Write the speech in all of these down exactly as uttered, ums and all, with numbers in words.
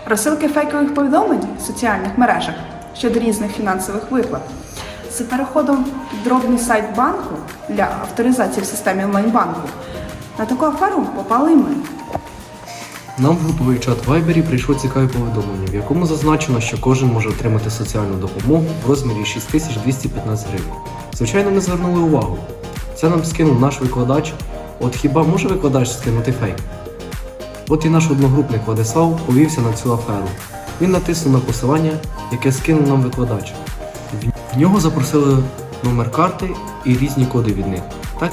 Розсилки фейкових повідомлень в соціальних мережах щодо різних фінансових виплат. З переходом в дробний сайт банку для авторизації в системі онлайн-банку на таку аферу попали і ми. Нам в груповий чат в Вайбері прийшло цікаве повідомлення, в якому зазначено, що кожен може отримати соціальну допомогу в розмірі шість тисяч двісті п'ятнадцять гривень. Звичайно, ми звернули увагу. Це нам скинув наш викладач. От хіба може викладач скинути фейк? От і наш одногрупник Владислав повівся на цю аферу. Він натиснув на посилання, яке скинув нам викладач. В нього запросили номер карти і різні коди від них. Так?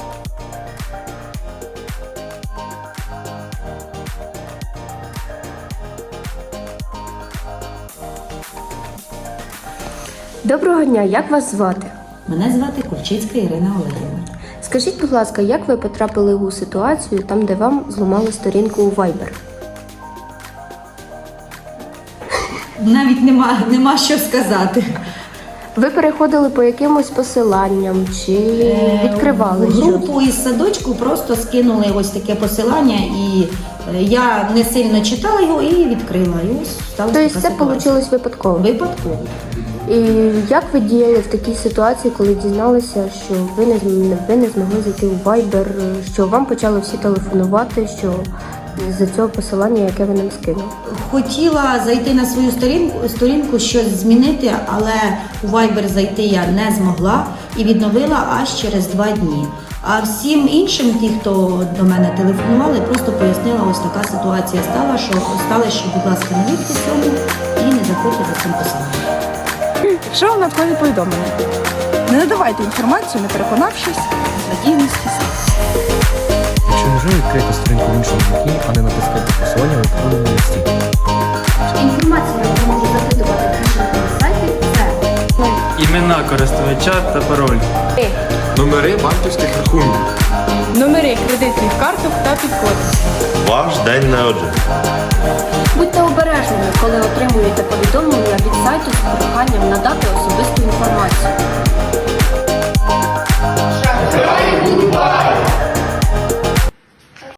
Доброго дня, як вас звати? Мене звати Кульчицька Ірина Олегівна. Скажіть, будь ласка, як ви потрапили у ситуацію, там, де вам зламали сторінку у Viber? Навіть нема, нема що сказати. Ви переходили по якимось посиланням чи відкривали В щось? групу із садочку просто скинули ось таке посилання, і е, я не сильно читала його і відкрила. І ось сталася Тобто така це ситуація. вийшло випадково? Випадково. І як ви діяли в такій ситуації, коли дізналися, що ви не, зм- ви не змогли зайти у Viber, що вам почали всі телефонувати, що з-за цього посилання, яке ви нам скинули? Хотіла зайти на свою сторінку, сторінку, щось змінити, але у Viber зайти я не змогла і відновила аж через два дні. А всім іншим, ті, хто до мене телефонували, просто пояснила, ось така ситуація стала, що стала, що, будь ласка, не вірте цьому і не заходьте за цим посиланням. Якщо вам надходять повідомлення, не надавайте інформацію, не переконавшись в надійності сайту. Якщо можна відкрити сторінку в іншому вікні, а не натискати посилання в електронному листі. Інформація, яку можу запитувати на сайті, це Імена користувача та пароль. Номери банківських рахунків. Номери кредитних карток та підкодів. Ваш день народження. Будьте обережними, коли отримуєте повідомлення від сайту з проханням надати особисту інформацію.